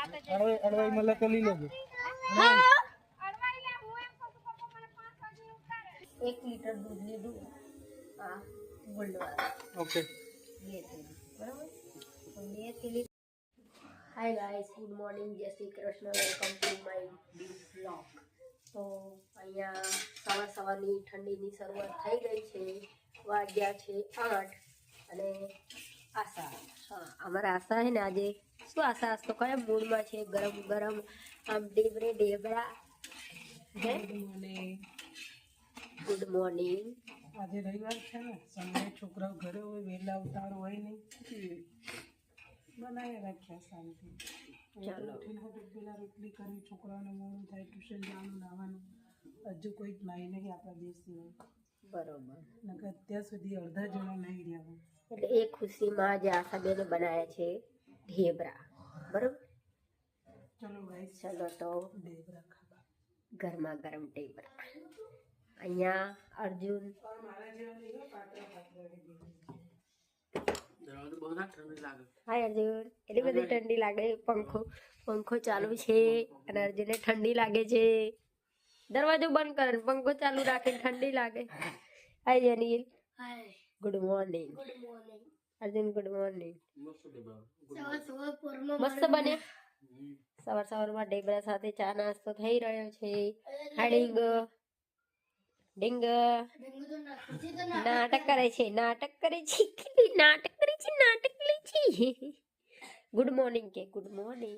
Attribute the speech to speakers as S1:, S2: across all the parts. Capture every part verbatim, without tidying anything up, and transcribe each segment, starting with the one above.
S1: અડવાઈ અડવાઈ મળે તો લઈ લેજો.
S2: એક લીટર દૂધ લીધું આ ગોલ્ડ વાળા.
S1: ઓકે
S2: બે થેલી બરાબર. તો બે થેલી. હાય ગાઈસ, ગુડ મોર્નિંગ, જય Shri Krishna, welcome to my new blog. તો અહીંયા સવાર સવારની ઠંડીની શરૂઆત થઈ ગઈ છે. વાગ્યા છે આઠ અને આશા, હા અમારા આશા છે ને આજે શું આશા આજ તો કયા મૂડમાં છે? ગરમ ગરમ આમ ઢેબરે ઢેબરા. Good morning.
S1: આજે રવિવાર છે ને, સન્ડે, છોકરાઓ ઘરે હોય, વહેલા ઉતાર હોય નહીં, બનાવી રાખ્યા શાંતિ.
S2: ચાલો
S1: પેલા રોટલી કરી, છોકરાઓને મોડું થાય, ટ્યુશન જવાનું, નાવાનું. હજુ કોઈ જ નાઈ નહીં આપણા દેશ સિવાય.
S2: બરોબર.
S1: નકર અત્યાર સુધી અડધા જણા નહીં રહ્યા હોય.
S2: એટલે એ ખુશીમાં આજે આશાબેને બનાવ્યા છે ઢેબરા. બરોબર.
S1: ચલો ગાઈસ,
S2: ચલો તો
S1: ઢેબરા ખાવા.
S2: ગરમા ગરમ ઢેબરા. અહીંયા અર્જુન હાય અર્જુન, એટલી બધી ઠંડી લાગે. પંખો પંખો ચાલુ છે અને અર્જુનને ઠંડી લાગે છે. દરવાજો બંધ કરે પંખો ચાલુ રાખીને ઠંડી લાગે. Hi Jenil. Good morning. Arjun good morning. મસ્ત બને. સવાર સવારમાં ઢેબરા સાથે ચા નાસ્તો થઈ રહ્યો છે. હાડીંગ ડિંગ નાટક કરે છે, નાટક કરે છે, નાટક કરે છે, નાટક કરે છે. ગુડ મોર્નિંગ કે ગુડ મોર્નિંગ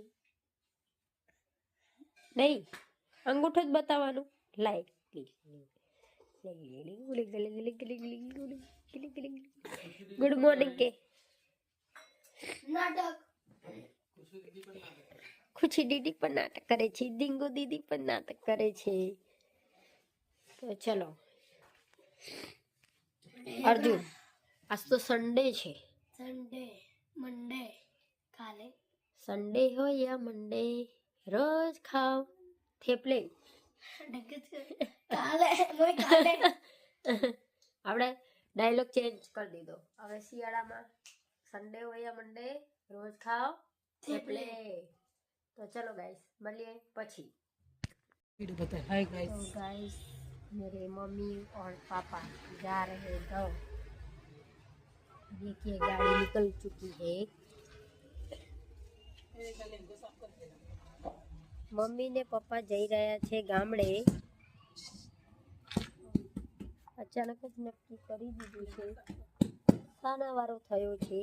S2: નહીં, અંગૂઠો જ બતાવવાનું. લાઈક ગુડ મોર્નિંગ કે નાટક. ખુશી દીદી પણ નાટક કરે છે, ડિંગો દીદી પણ નાટક કરે છે. તો ચલો અર્જુન, આજ તો સન્ડે છે. સન્ડે મંડે કાલે સન્ડે હોય યા મંડે રોજ ખાઓ થેપલે. કાલે કાલે આપણે ડાયલોગ ચેન્જ કરી દીધો. હવે શિયાળામાં સન્ડે હોય યા મંડે રોજ ખાઓ થેપલે. તો ચલો ગાઈસ, મળીએ પછી.
S1: हाय गाइस,
S2: तो गाइस मेरे मम्मी और पापा जा रहे गाँव. देखिए गाड़ी निकल चुकी है. મમ્મી ને પપ્પા જઈ રહ્યા છે ગામડે. અચાનક જ નક્કી કરી દીધું છે. સાના વારો થયો છે?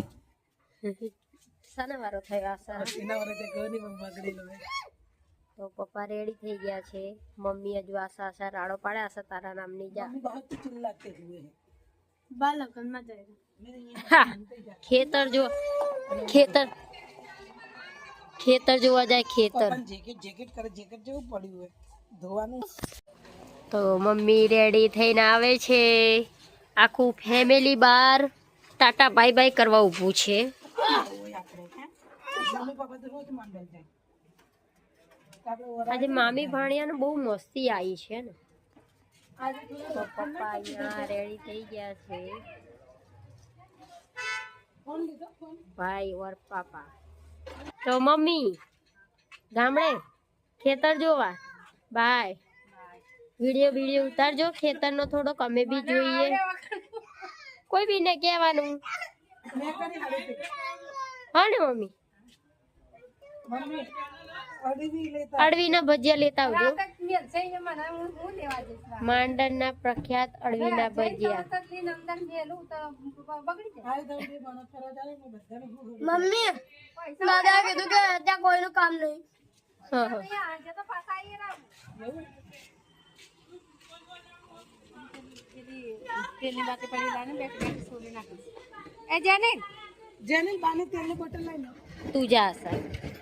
S2: સાના વારો થયો આશા?
S1: એના વરસે ઘરની પણ બગડેલો હે.
S2: તો પપ્પા રેડી થઈ ગયા છે. મમ્મી હજુ આશા આશા રાડો પાડે. આશા તારા નામની જા ખેતર જો, ખેતર ખેતર જોવા જાય. ખેતર
S1: જેકેટ જેકેટ કરે, જેકેટ જેવું પડ્યું હોય ધોવાનું.
S2: તો મમ્મી રેડી થઈને આવે છે. આખું ફેમિલી બાર ટાટા બાય બાય કરવા ઊભું છે. આજે મામી ભાણિયાને બહુ મસ્તી આવી છે ને. તો પપ્પા અહીંયા રેડી થઈ ગયા છે. ભાઈ ઓર પાપા. તો મમ્મી ગામડે ખેતર જોવા બાય. વિડીયો વિડીયો ઉતારજો ખેતરનો થોડોક, અમે બી જોઈએ. કોઈ બી ને કહેવાનું. હા ને મમ્મી? અળવીના ભજીયા લેતા આવજો. માંડરના પ્રખ્યાત અળવીના ભજીયા. મમ્મી દાદા કીધું કે ત્યાં કોઈનું કામ નહીં. તું જા સર.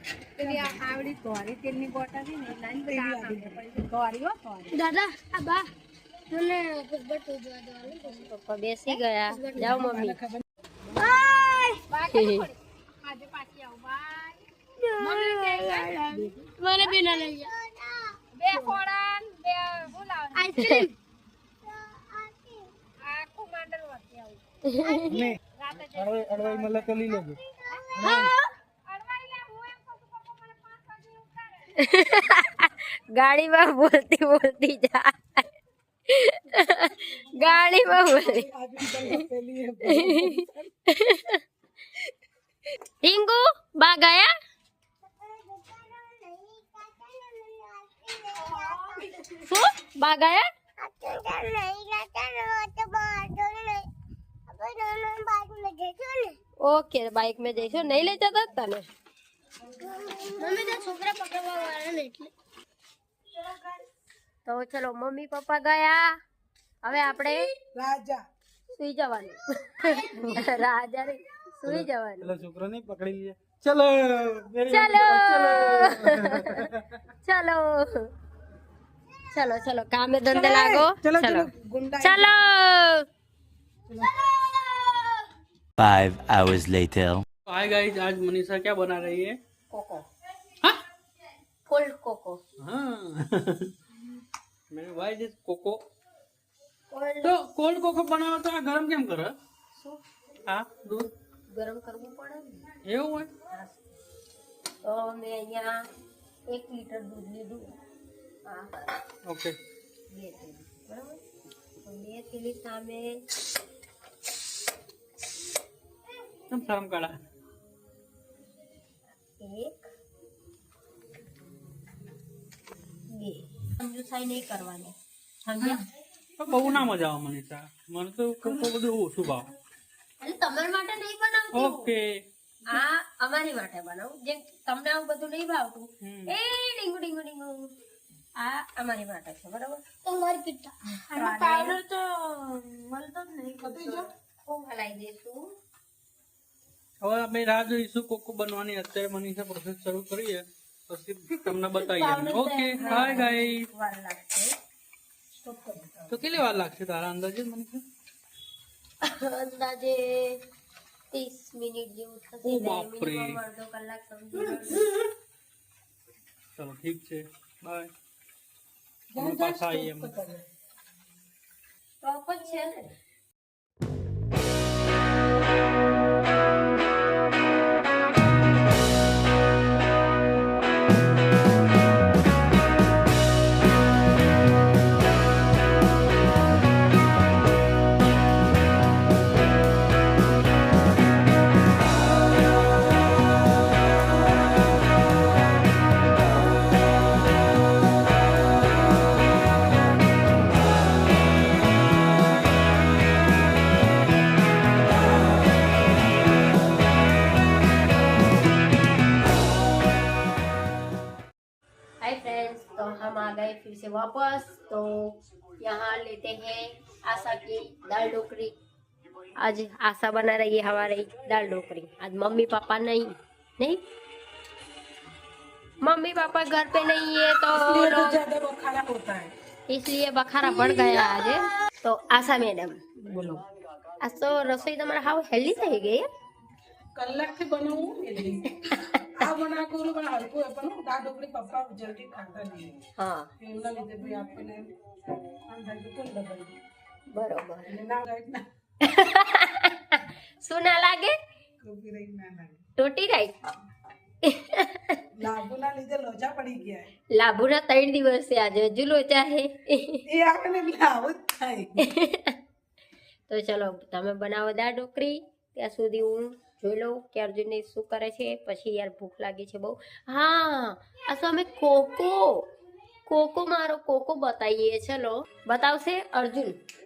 S2: દાદા આ બા પપ્પા બેસી ગયા. જાઓ મમ્મી. મને બી ના લઈ બે ફોડા બે બોલાવ આઈસ્ક્રીમ આખું માંડલ વચ્ચે આવું ને રાતે અડવાઈ અડવાઈ મળે તો લઈ લેજો. હા અડવાઈ લે હું એમ કહું પપ્પા મને ગાડીમાં બોલતી બોલતી જાય ગાડીમાં બોલી ટીંગુ બા ગયા શું બા ગયા ઓકે બાઇક में જઈશું નહીં લઈ જતા તને મમ્મી તો છોકરા પકડવા વાળા ને એટલે તો ચલો મમ્મી પપ્પા ગયા હવે આપણે
S1: રાજા
S2: સુઈ જવાનું રાજા રે સુઈ જવાનું
S3: चलो छोकरा नहीं पकड़ी लिया चलो मेरी
S2: चलो चलो चलो चलो काम में धंधे लागो
S1: चलो
S2: चलो
S1: चलो गुंडा
S2: चलो
S4: Five hours later.
S3: Hi guys, आज मनीषा क्या बना रही है?
S2: कोको
S3: हाँ?
S2: कोल्ड कोको
S3: हाँ मेरे भाई जिस कोको
S2: कोल्ड
S3: तो कोल्ड कोको बनाओ तो આ ગરમ કેમ કરે?
S2: શું
S3: હા દૂધ
S2: ગરમ કરવું પડે ને
S3: એવું હોય?
S2: તો મેં અહીંયા એક લીટર દૂધ લીધું હા
S3: ઓકે
S2: બે થેલી બરાબર તો બે થેલી સામે
S3: કેમ શરમ કાઢા?
S2: એક બે સમજુસાઈ નહીં કરવાની સમજ્યા
S3: તો બહુ ના મજા આવે મનીષા, મને તો કોકો બધું ઓછું ભાવે.
S2: એટલે તમારા માટે નહીં બનાવતી હું.
S3: ઓકે
S2: આ અમારી માટે બનાવું જે તમને આવું બધું નહીં ભાવતું
S3: હમ.
S2: એ ડીંગુ ડીંગુ ડીંગુ આ અમારી માટે છે બરાબર તમારી પિત્તા
S1: પાવડર તો મળતો જ નહીં કદી જો
S2: હું હલાઈ દઈશું
S3: હવે અમે રાહ જોઈશું કોકો બનવાની. અત્યારે મનીષા પ્રોસેસ શરૂ કરીએ પછી તમને બતાવીએ. Okay hi guys.
S2: વાર લાગશે
S3: તો કેટલી વાર લાગશે તારા અંદાજે મનીષા?
S2: અંદાજે ત્રીસ મિનિટ જેવું થશે
S3: ઓ બાપરે.
S2: મિનિમમ અડધો કલાક સમજી લો.
S3: ચલો ઠીક છે, બાય. અમે પાછા આવીએ અમે.
S2: ટોપ જ છે ને हाय फ्रेंड्स, तो हम आ गए फिर से वापस। तो यहाँ लेते हैं आशा की दाल ढोकरी। आज आशा बना रही है हमारी दाल ढोकरी। आज मम्मी पापा नहीं नहीं मम्मी पापा घर पे नहीं है तो
S1: ये तो
S2: लोग
S1: ज्यादा बखारा होता है
S2: इसलिए बखारा बढ़ गया आज। तो आशा मैडम
S1: बोलो
S2: आज तो रसोई તમારે હાવ હેલ્ધી થઈ ગઈ હે
S1: કલાકથી બનાવું એટલે આ બના કરું પણ હલકું હોય પણ દાળ ઢોકળી પપ્પા જલ્દી ખાતા નહીં
S2: હા
S1: એમના લીધે ભાઈ આપણને અંદાજે કોણ ડબલ
S2: બરોબર
S1: એટલે ના લાગે ના
S2: શું ના લાગે
S1: કોપીરાઈટ ના લાગે
S2: ટોટી રાઈ
S1: લાભુના લીધે લોચા પડી ગયા
S2: લાભુના ત્રણ દિવસ છે આજે હજુ લોચા છે
S1: એ આપણને એટલે આવું જ થાય
S2: તો ચલો તમે બનાવો દાળ ઢોકરી ત્યાં સુધી હું જોઈ લઉં કે અર્જુનને શું કરે છે. પછી યાર ભૂખ લાગી છે બહુ. હા આ તો અમે કોકો કોકો મારો કોકો બતાવીએ. ચલો બતાવશે અર્જુન.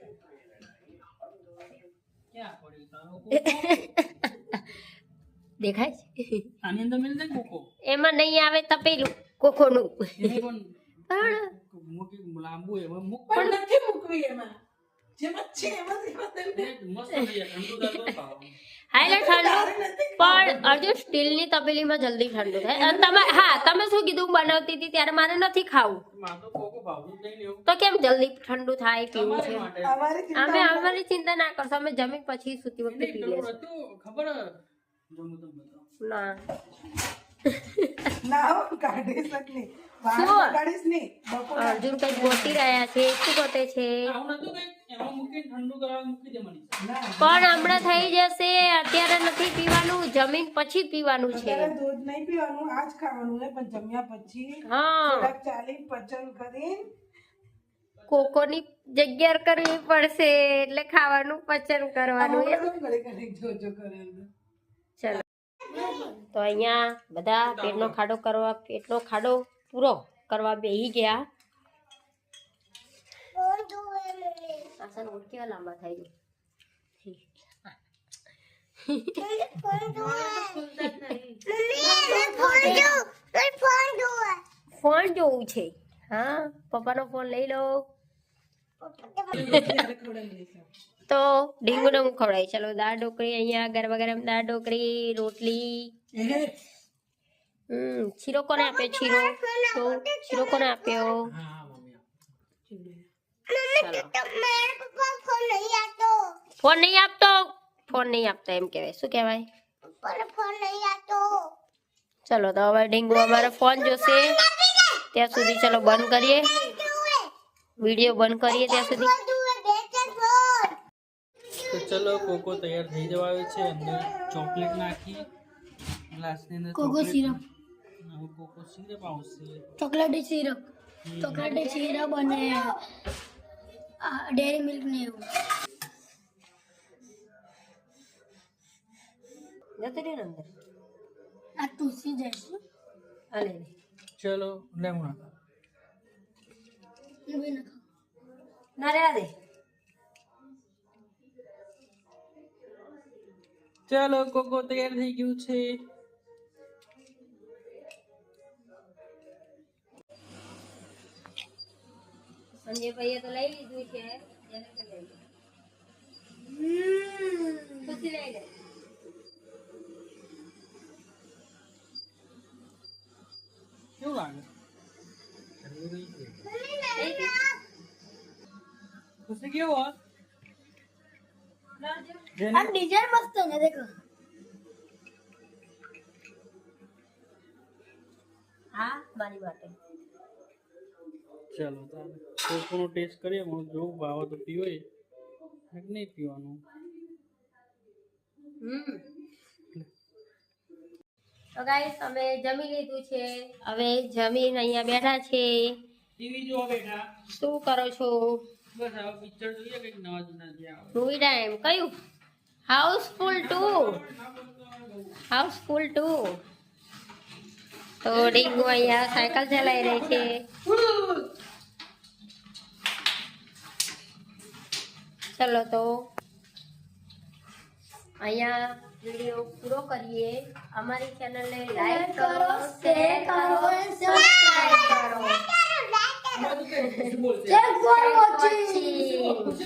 S3: ક્યાં પડ્યું તારો કોકો?
S2: દેખાય છે
S3: આની અંદર મિલ જાય કોકો?
S2: એમાં નહીં આવે તપેલું કોકોનું
S3: એને પણ
S2: પણ
S3: મૂકી લાંબુ એમાં મૂક
S1: પણ નથી મૂકવી એમાં જેમાં છે એમાં જ એમાં તેમને
S3: મસ્ત થઈ જાય. ઠંડુ દાળ તો ખાવાનું.
S2: હા એટલે ઠંડુ પણ અર્જુન સ્ટીલની તપેલીમાં જલ્દી ઠંડુ થાય. અને તમે હા તમે શું કીધું બનાવતી હતી ત્યારે મારે નથી ખાવું
S3: મારે તો કોકો ભાવતું જ નહીં એવું.
S2: તો કેમ જલ્દી ઠંડુ થાય પીવું
S3: તમારી
S2: છે.
S3: માટે.
S1: અમારી ચિંતા
S2: અમે અમારી ચિંતા ના કરશો. અમે જમી પછી સૂતી વખતે
S3: નહીં,
S2: પી
S3: પેલું
S2: લેશું.
S3: હતું, ખબર હે? જો હું તમને બતાવું.
S2: ના
S1: ના હો, કાઢીશ જ નહીં બહાર
S2: શું?
S1: કાઢીશ નહીં બપોર
S2: અર્જુન કઈ ગોતી રહ્યા છે. શું ગોતે છે?
S3: આવું નતું કંઈક? એમાં મૂકીને ઠંડુ કરવા મૂકી દે મનીષા.
S2: પણ હમણાં થઈ જશે, અત્યારે નથી પીવાનું, જમીન પછી પીવાનું છે.
S1: અત્યારે દૂધ નહીં પીવાનું, આજ ખાવાનું છે, પણ જમ્યા પછી
S2: હા,
S1: થોડાક ચાલી પચન કરી
S2: કોકોની જગ્યા કરવી પડશે એટલે ખાવાનું પચન કરવાનું. એમ.
S1: ઘડી ઘડી જોજો કરે
S2: ચલો, તો અહીંયા બધા પેટનો ખાડો કરવા, પેટનો ખાડો પૂરો કરવા બેસી ગયા. આસન ઉઠ કેવા લાંબા થઈ ગયું. ફોન જોવું છે? હા, પપ્પાનો ફોન લઈ લો. તો ઢીંગુને હું ખવડાવી. ચલો, દાળ ઢોકળી અહીંયા ગરમા ગરમ દાળ ઢોકળી, રોટલી. હમ શીરો કોને આપ્યો? શીરો તો શીરો કોને આપ્યો? ફોન નહીં આપતો, ફોન નહીં આપતો એમ કહેવાય. શું કહેવાય? ચલો, તો હવે ઢીંગુ અમારે ફોન જોશે. ત્યાં સુધી ચલો બંધ કરીએ, વિડીયો બંધ કરીએ ત્યાં સુધી.
S3: તો ચલો, કોકો તૈયાર થઈ જવા આવ્યો છે. અંદર ચોકલેટ નાખી, ગ્લાસની અંદર
S2: કોકો
S3: ચોકલેટ
S2: સિરપ.
S3: હવે કોકો સિરપ આવશે.
S2: ચોકલેટી સિરપ, ચોકલેટી સિરપ અને ડેરી મિલ્ક ને એવું. જતો રહ્યો ને અંદર. આ તુલસી જઈશ. આ લે લે.
S3: ચલો, લેમણા
S2: ના રે આ દે.
S3: ચલો, કોકો તૈયાર થઈ ગયું છે.
S2: સંજય ભાઈએ તો લઈ લીધું છે. એને તો લઈ લે. ખુશી લઈ લે.
S3: કેવું લાગે? ખુશી કેવો?
S2: આ ડિઝાઇન મસ્ત છે દેખો. હા, મારી માટે.
S3: ચલો, કોકોનો ટેસ્ટ કરીએ. હું જોઉં ભાવે તો પીવાય કે નહીં પીવાનું.
S2: હમ તો ગાઈસ અમે જમી લીધું છે. હવે જમીન અહીંયા બેઠા છે.
S3: ટીવી જોવા બેઠા.
S2: શું કરો છો?
S3: બસ હવે પિક્ચર જોઈએ કંઈક નવા જૂના જે આવે.
S2: મૂવી ટાઈમ કયું? Housefull two. Housefull two. તો ડીંગુ અહીંયા સાયકલ ચલાવી રહી છે. ચલો, તો અહીંયા વિડીયો પૂરો કરીએ. અમારી ચેનલને લાઈક કરો, શેર કરો, સબસ્ક્રાઇબ કરો.
S3: બોલશે.
S2: Thanks for watching.